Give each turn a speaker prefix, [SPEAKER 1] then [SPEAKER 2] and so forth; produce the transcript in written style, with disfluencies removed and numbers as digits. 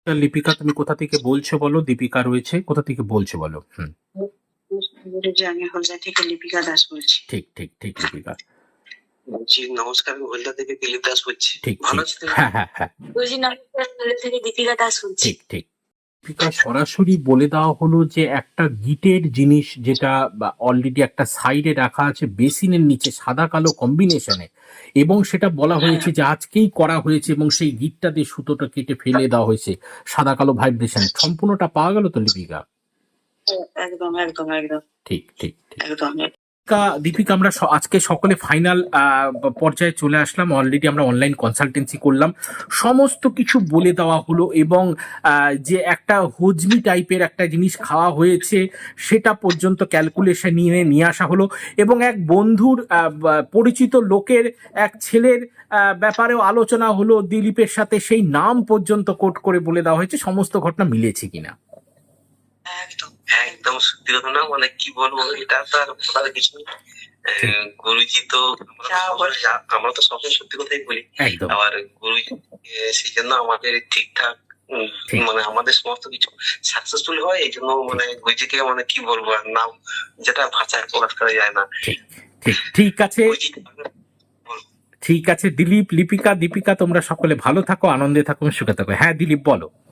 [SPEAKER 1] লিপিকা, তুমি কোথা থেকে বলছো বলো? দীপিকা রয়েছে, কোথা থেকে বলছো বলো?
[SPEAKER 2] যে আমি হলদিয়া থেকে লিপিকা দাস বলছি।
[SPEAKER 1] ঠিক ঠিক ঠিক লিপিকা।
[SPEAKER 2] জি নমস্কার, আমি হলদিয়া থেকে দিলীপ দাস বলছি।
[SPEAKER 1] ঠিক
[SPEAKER 2] ভালো
[SPEAKER 1] ঠিক।
[SPEAKER 2] আছেন?
[SPEAKER 1] হ্যাঁ হ্যাঁ হ্যাঁ,
[SPEAKER 2] বলছি নমস্কার, হলদিয়া থেকে দীপিকা দাস বলছি।
[SPEAKER 1] ঠিক ঠিক। দীপিকা, সরাসরি বলে দেওয়া হলো যে একটা গিটের জিনিস যেটা অলরেডি একটা সাইডে রাখা আছে বেসিনের নিচে সাদা কালো কম্বিনেশনে, এবং সেটা বলা হয়েছে যে আজকেই করা হয়েছে, এবং সেই গিটটা দিয়ে সুতোটা কেটে ফেলে দেওয়া হয়েছে সাদা কালো ভাইব্রেশন। সম্পূর্ণটা পাওয়া গেল তো লিপিকা?
[SPEAKER 2] একদম একদম একদম
[SPEAKER 1] ঠিক ঠিক ঠিক।
[SPEAKER 2] একদম।
[SPEAKER 1] দীপিকা, আমরা আজকে সকলে ফাইনাল পর্যায়ে চলে আসলাম। অলরেডি আমরা অনলাইন কনসালটেন্সি করলাম, সমস্ত কিছু বলে দেওয়া হলো, এবং যে একটা হজমি টাইপের একটা জিনিস খাওয়া হয়েছে সেটা পর্যন্ত ক্যালকুলেশন নিয়ে আসা হলো, এবং এক বন্ধুর পরিচিত লোকের এক ছেলের ব্যাপারেও আলোচনা হলো দিলীপের সাথে, সেই নাম পর্যন্ত কোট করে বলে দেওয়া হয়েছে। সমস্ত ঘটনা মিলেছে কিনা?
[SPEAKER 2] একদম একদম সত্যি কথা না, মানে কি বলবো, এটা তো আর বলার কিছু নেই। গুরুজি তো আমরা তো সবসময় সত্যি কথাই বলি।
[SPEAKER 1] একদম
[SPEAKER 2] আবার গুরুজি সেই জন্য আমাদের ঠিকঠাক মানে আমাদের সমস্ত কিছু সাকসেসফুল হয়, এই জন্য মানে গুরুজিকে মানে কি বলবো আর নাম যেটা ভাষায় প্রকাশ করা যায় না।
[SPEAKER 1] ঠিক ঠিক ঠিক আছে। ঠিক আছে দিলীপ, লিপিকা, দীপিকা, তোমরা সকলে ভালো থাকো, আনন্দে থাকো, সুখে থাকো। হ্যাঁ দিলীপ বলো।